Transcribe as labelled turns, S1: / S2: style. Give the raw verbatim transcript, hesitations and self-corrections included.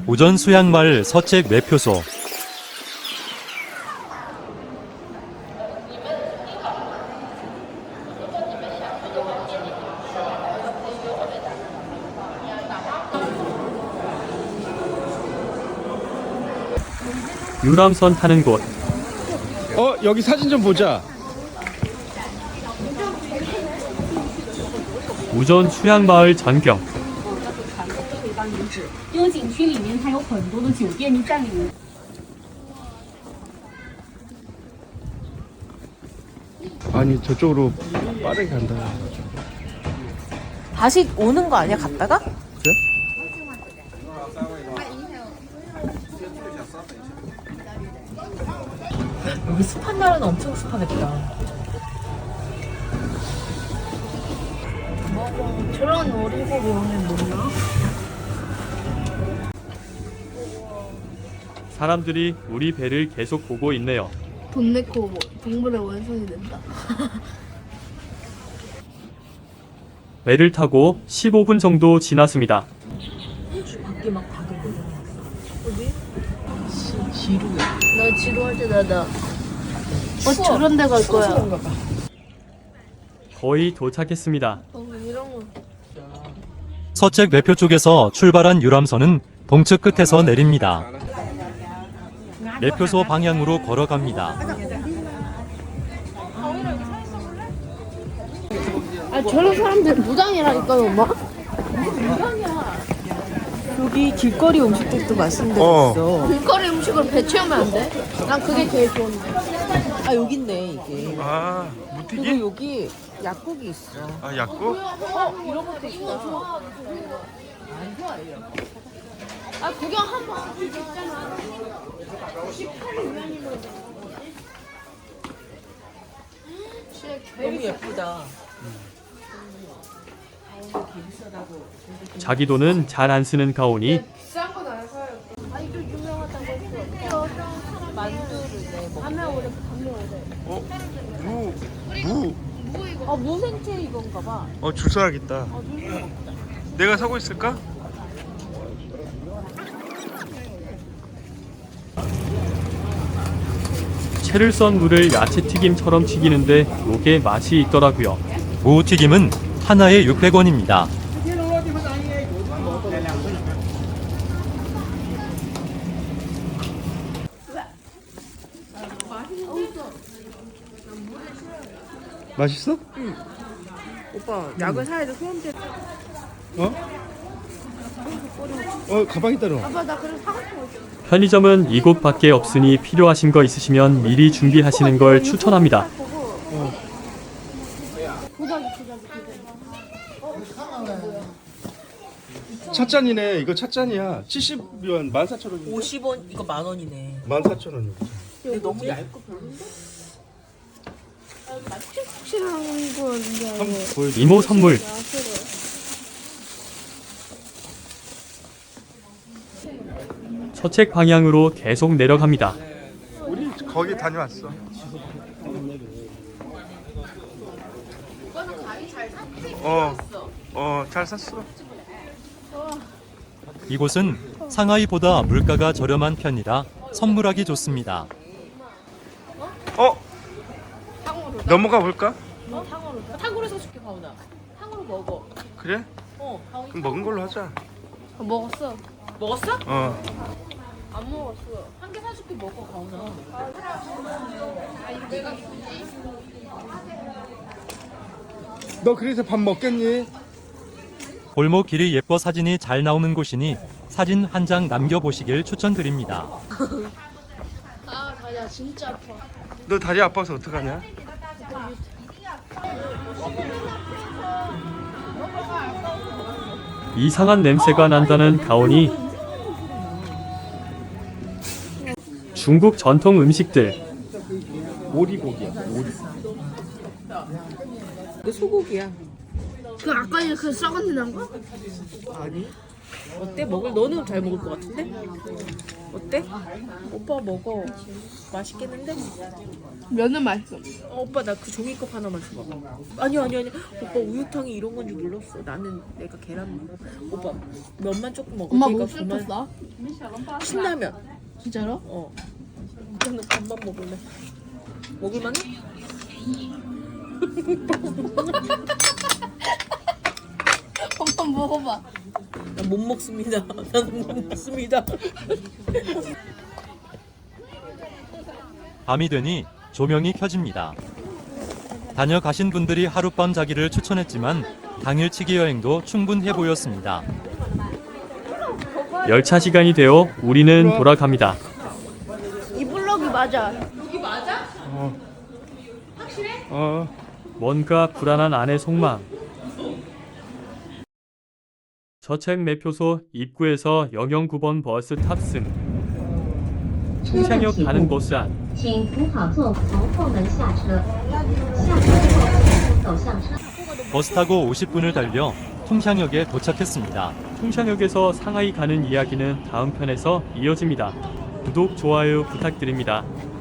S1: 우전 수양마을 서책 매표소.
S2: 유람선 타는 곳.
S3: 어, 여기 사진 좀 보자.
S2: 우전 수양마을 전경.
S4: 这个景区里面它有很多的酒店占领。
S3: 아니, 저쪽으로 빠르게 간다.
S5: 다시 오는 거 아니야, 갔다가?
S3: 그래?
S5: 여기 습한 날은 엄청 습하겠다.
S4: 저런 어리고 오면 뭐나?
S2: 사람들이 우리 배를 계속 보고 있네요.
S4: 돈 내고 동물의 원숭이 된다.
S2: 배를 타고 십오 분 정도 지났습니다.
S5: 밖에 막 다들 어디? 지루해.
S4: 나 지루할 때 나다. 어 저런 데 갈 거야.
S2: 거의 도착했습니다.
S4: 어 이런 거.
S1: 서책 매표 쪽에서 출발한 유람선은 동측 끝에서 내립니다. 매표소 방향으로 걸어갑니다.
S4: 아 저런 사람들 무당이라니까 엄마.
S5: 여기 길거리 음식들도 맛있는 데가
S3: 어.
S5: 있어.
S4: 길거리 음식으로 배 채우면 안 돼? 난 그게 제일 좋은데.
S5: 아, 여기 있네, 이게.
S3: 아,
S5: 그리고
S3: 무튀기?
S5: 여기 약국이 있어.
S3: 아, 약국?
S4: 이런 것도 있다. 아 구경 한번.
S5: 너무 예쁘다.
S2: 자기 돈은 잘 안 쓰는 가온이
S4: 비싼 건 안 사요. 아니 좀 유명하다고 했어. 만두를 내 먹. 밤에 오래 밤에 오래.
S3: 어, 무, 무.
S5: 아, 무생채 이건가 봐.
S3: 어, 줄 서야겠다. 내가 사고 있을까?
S2: 채를 썬 물을 야채튀김처럼 튀기는데 요게 맛이 있더라고요.
S1: 무튀김은 하나에 육백 원입니다.
S3: 맛있어?
S5: 오빠, 약을 사야 돼, 소염제.
S3: 어? 어, 가방에 따라.
S4: 아빠 나 그래서 사고 싶은 거 있어.
S2: 편의점은 이곳밖에 없으니 필요하신 거 있으시면 미리 준비하시는 걸 추천합니다.
S3: 찻잔이네. 이거 찻잔이야. 칠십 위안 만 사천 원.
S5: 오십 원, 이거 만 원이네.
S3: 만 사천 원.
S5: 근데 너무 얇고 별론데?
S4: 확실한 거 이제.
S2: 이모 선물. 서책 방향으로 계속 내려갑니다.
S3: 우리 거기 다녀왔어. 어, 어, 잘 샀어.
S1: 이곳은 상하이보다 물가가 저렴한 편이라 선물하기 좋습니다.
S3: 어, 넘어가 볼까?
S5: 탕후루 사줄게, 가훈아. 탕후루 먹어.
S3: 그래?
S5: 어, 가훈이.
S3: 그럼 먹은 걸로 하자.
S4: 어, 먹었어.
S5: 먹었어?
S3: 어.
S4: 안 먹었어.
S5: 한 개 사줄게, 먹어, 가훈아.
S3: 너 그래서 밥 먹겠니?
S1: 골목 길이 예뻐 사진이 잘 나오는 곳이니 사진 한 장 남겨보시길 추천드립니다.
S4: 아 다리야 진짜 아파.
S3: 너 다리 아파서 어떡하냐?
S2: 이상한 냄새가 난다는 가온이 중국 전통 음식들.
S3: 오리고기야. 오리.
S5: 이거 소고기야.
S4: 그 아까 그 썩은 데 난 거?
S5: 아니? 어때? 먹을 너는 잘 먹을 것 같은데? 어때? 오빠 먹어. 맛있겠는데?
S4: 면은 맛있어.
S5: 어, 오빠 나 그 종이컵 하나만 줘봐. 아니 아니 아니. 오빠 우유탕이 이런 건 줄 몰랐어. 나는 내가 계란 먹어. 오빠 면만 조금 먹어.
S4: 엄마
S5: 그러니까
S4: 뭐
S5: 그만-
S4: 시켰어?
S5: 신라면.
S4: 진짜로?
S5: 어. 나는 밥만 먹을래. 먹을만해?
S4: 한번 먹어봐.
S5: 난 못 먹습니다. 나는 못 먹습니다.
S1: 밤이 되니 조명이 켜집니다. 다녀가신 분들이 하룻밤 자기를 추천했지만 당일치기 여행도 충분해 보였습니다.
S2: 열차 시간이 되어 우리는 돌아갑니다.
S4: 이 블럭이 맞아.
S3: 어.
S2: 뭔가 불안한 아내 속마음. 저책 매표소 입구에서 영영구 번 버스 탑승. 통창역 가는 버스 안.
S6: 请扶好座，从后门下车。下车后走向车。
S1: 버스 타고 오십 분을 달려 통샹역에 도착했습니다.
S2: 통창역에서 상하이 가는 이야기는 다음 편에서 이어집니다. 구독, 좋아요 부탁드립니다.